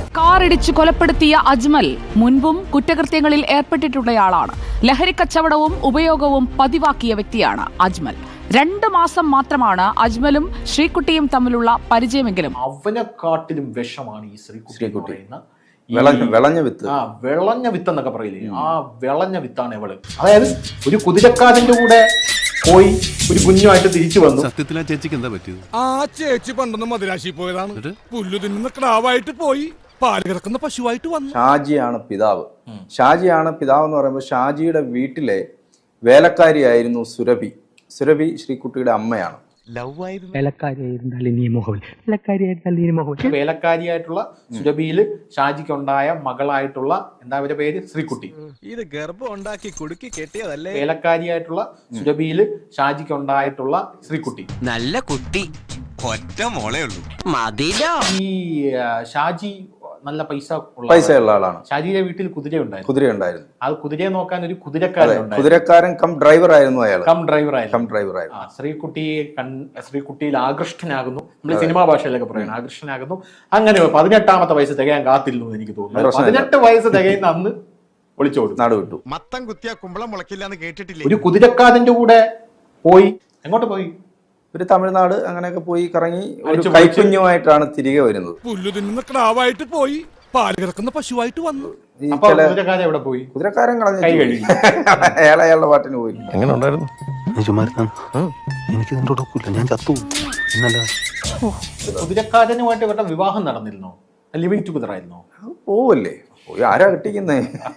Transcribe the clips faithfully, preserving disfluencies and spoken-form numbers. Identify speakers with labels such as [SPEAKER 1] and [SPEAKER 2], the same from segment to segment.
[SPEAKER 1] കാറിടിച്ച് കൊലപ്പെടുത്തിയ അജ്മൽ മുൻപും കുറ്റകൃത്യങ്ങളിൽ ഏർപ്പെട്ടിട്ടുള്ളയാളാണ്. ലഹരി കച്ചവടവും ഉപയോഗവും പതിവാക്കിയ വ്യക്തിയാണ് അജ്മൽ. രണ്ട് മാസം മാത്രമാണ് അജ്മലും ശ്രീകുട്ടിയും തമ്മിലുള്ള പരിചയമെങ്കിലും
[SPEAKER 2] അവനെക്കാട്ടിലും വിഷമാണ് ഈ ശ്രീകുട്ടി എന്ന
[SPEAKER 3] വിളഞ്ഞ വിത്ത്
[SPEAKER 2] ആ വിളഞ്ഞ വിത്ത് എന്നൊക്കെ പറയില്ലേ, ആ വിളഞ്ഞ വിത്താണ് ഇവള്. അതായത് ഒരു കുതിരക്കാരന്റെ കൂടെ പോയി ഒരു കുഞ്ഞുമായിട്ട് തിരിച്ചു വന്നു.
[SPEAKER 4] സത്യത്തിൽ ആ ചേച്ചിക്ക് എന്താ പറ്റിയത്?
[SPEAKER 5] ആ ചേച്ചി പണ്ടൊന്ന് മദിരാശി പോയതാണ്. പുല്ലു തിന്നുന്ന ക്രാവായിട്ട് പോയി പാല് കിടക്കുന്ന പശുവായിട്ട് വന്നു.
[SPEAKER 3] ഷാജിയാണ് പിതാവ്. ഷാജിയാണ് പിതാവ് എന്ന് പറയുമ്പോൾ ഷാജിയുടെ വീട്ടിലെ വേലക്കാരിയായിരുന്നു സുരഭി. സുരഭി ശ്രീകുട്ടിയുടെ അമ്മയാണ്.
[SPEAKER 2] വേലക്കാരിയായിട്ടുള്ള സുരഭിയില് ഷാജിക്കുണ്ടായ മകളായിട്ടുള്ള എന്താ അവരുടെ പേര് ശ്രീകുട്ടി.
[SPEAKER 5] ഇത് ഗർഭം ഉണ്ടാക്കി കുടുക്കി കെട്ടിയതല്ലേ.
[SPEAKER 2] വേലക്കാരിയായിട്ടുള്ള സുരഭിയില് ഷാജിക്കുണ്ടായിട്ടുള്ള ശ്രീകുട്ടി
[SPEAKER 6] നല്ല കുട്ടി, ഒറ്റ മോളേ ഉള്ളൂ. മതിലോ
[SPEAKER 2] ഈ ഷാജി നല്ല പൈസ
[SPEAKER 3] പൈസ ഉള്ള ആളാണ്.
[SPEAKER 2] ഷാജിയുടെ വീട്ടിൽ കുതിര ഉണ്ടായിരുന്നു
[SPEAKER 3] കുതിര ഉണ്ടായിരുന്നു
[SPEAKER 2] അത് കുതിരയെ നോക്കാൻ ഒരു കുതിരക്കാരൻ
[SPEAKER 3] കുതിരക്കാരൻ കം ഡ്രൈവർ ആയിരുന്നു അയാൾ.
[SPEAKER 2] കം ഡ്രൈവർ ആയിരുന്നു
[SPEAKER 3] കം ഡ്രൈവർ ആയിരുന്നു.
[SPEAKER 2] ശ്രീകുട്ടിയെ ശ്രീകുട്ടിയിൽ ആകൃഷ്ടനാകുന്നു. നമ്മൾ സിനിമാ ഭാഷയിലൊക്കെ പറയുന്നത് ആകൃഷ്ടനാകുന്നു. അങ്ങനെ പതിനെട്ടാമത്തെ വയസ്സ് തികയാൻ കാത്തില്ലെന്ന് എനിക്ക് തോന്നുന്നു. പതിനെട്ട് വയസ്സ് തികയുന്ന അന്ന് ഒളിച്ചോടും,
[SPEAKER 3] നാട് വിട്ടു.
[SPEAKER 5] മത്തം കുത്തിയ കുമ്പളം മുളക്കില്ല എന്ന് കേട്ടിട്ടില്ലേ?
[SPEAKER 2] ഒരു കുതിരക്കാരന്റെ കൂടെ പോയി. എങ്ങോട്ട് പോയി?
[SPEAKER 3] ഒരു തമിഴ്നാട് അങ്ങനെയൊക്കെ പോയി കറങ്ങി ഒരു കൈക്കുഞ്ഞുമായിട്ടാണ് തിരികെ വരുന്നത്.
[SPEAKER 5] പുല്ലു തിന്നുന്ന ക്രാവായിട്ട് പോയി പാല് കിടക്കുന്ന പശുവായിട്ട് വന്നു.
[SPEAKER 2] കുതിരക്കാരൻ എവിടെ പോയി?
[SPEAKER 3] കുതിരക്കാരൻ കളഞ്ഞു.
[SPEAKER 2] കൈ കഴുകി.
[SPEAKER 3] അയാൾ അയാളുടെ പാട്ടിന് പോയി.
[SPEAKER 4] എങ്ങനെ ഉണ്ടായിരുന്നു? എനിക്ക് ഞാൻ ചത്തു.
[SPEAKER 2] കുതിരക്കാരനുമായിട്ട് ഇവരുടെ വിവാഹം നടന്നിരുന്നോ? ലിവിങ് ടുഗദർ ആയിരുന്നോ?
[SPEAKER 3] പോവല്ലേ, പോയി ആരാ കെട്ടിക്കുന്നേ?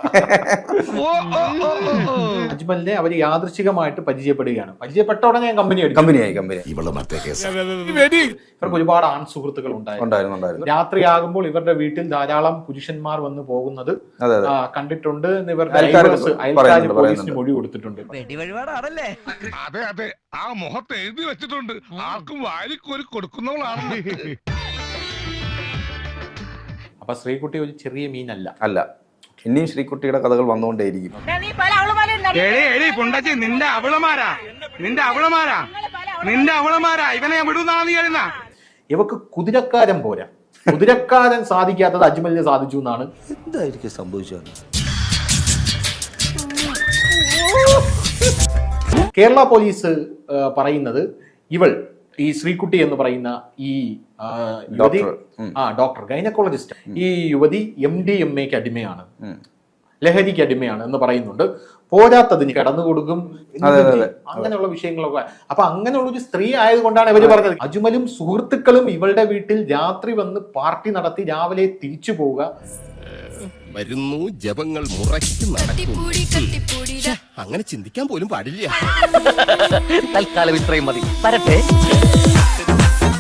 [SPEAKER 2] അജ്മലിനെ അവര് യാദൃശികമായിട്ട് പരിചയപ്പെടുകയാണ്. പരിചയപ്പെട്ട ഉടനെ ഞാൻ കമ്പനി
[SPEAKER 3] കമ്പനിയായി കമ്പനി
[SPEAKER 2] ഇവർക്ക് ഒരുപാട് ആൺ സുഹൃത്തുക്കൾ ഉണ്ടായിരുന്നു. രാത്രിയാകുമ്പോൾ ഇവരുടെ വീട്ടിൽ ധാരാളം പുരുഷന്മാർ വന്ന് പോകുന്നത് കണ്ടിട്ടുണ്ട് എന്ന് ഇവരുടെ അയൽക്കാർ പോലീസിന് മൊഴി കൊടുത്തിട്ടുണ്ട്.
[SPEAKER 5] അതെ അതെ, ആ മുഖത്ത് എഴുതി വെച്ചിട്ടുണ്ട്, ആർക്കും വാരിക്കോരി കൊടുക്കുന്നവളാണ്.
[SPEAKER 2] അപ്പൊ ശ്രീകുട്ടി ഒരു ചെറിയ മീനല്ല
[SPEAKER 3] അല്ല. ഇനിയും ശ്രീകുട്ടിയുടെ കഥകൾ വന്നുകൊണ്ടേയിരിക്കും.
[SPEAKER 5] നിന്റെ അവളമാരാ നിന്റെ അവളമാരാ നിന്റെ അവളമാരാ ഇവനെ വിടുന്ന.
[SPEAKER 2] ഇവക്ക് കുതിരക്കാരൻ പോരാ. കുതിരക്കാരൻ സാധിക്കാത്തത് അജ്മലിന് സാധിച്ചു എന്നാണ്.
[SPEAKER 3] എന്തായിരിക്കും സംഭവിച്ചത്?
[SPEAKER 2] കേരള പോലീസ് പറയുന്നത് ഇവൾ ഈ ശ്രീകുട്ടി എന്ന് പറയുന്ന ഈ യുവതി ആ ഡോക്ടർ ഗൈനക്കോളജിസ്റ്റ്, ഈ യുവതി എം ഡി എം എക്ക് അടിമയാണ്, ലഹരിക്ക് അടിമയാണ് എന്ന് പറയുന്നുണ്ട്. പോരാത്തതിന് കടന്നു കൊടുക്കും, അങ്ങനെയുള്ള വിഷയങ്ങളൊക്കെ. അപ്പൊ അങ്ങനെയുള്ള ഒരു സ്ത്രീ ആയതുകൊണ്ടാണ് ഇവര് പറഞ്ഞത്. അജ്മലും സുഹൃത്തുക്കളും ഇവളുടെ വീട്ടിൽ രാത്രി വന്ന് പാർട്ടി നടത്തി രാവിലെ തിരിച്ചു പോവുക.
[SPEAKER 4] വരുന്നു ജപങ്ങൾ മുറയ്ക്ക് നടക്കും. അങ്ങനെ ചിന്തിക്കാൻ പോലും പാടില്ല.
[SPEAKER 6] തൽക്കാലം ഇത്രയും മതി. വരട്ടെ.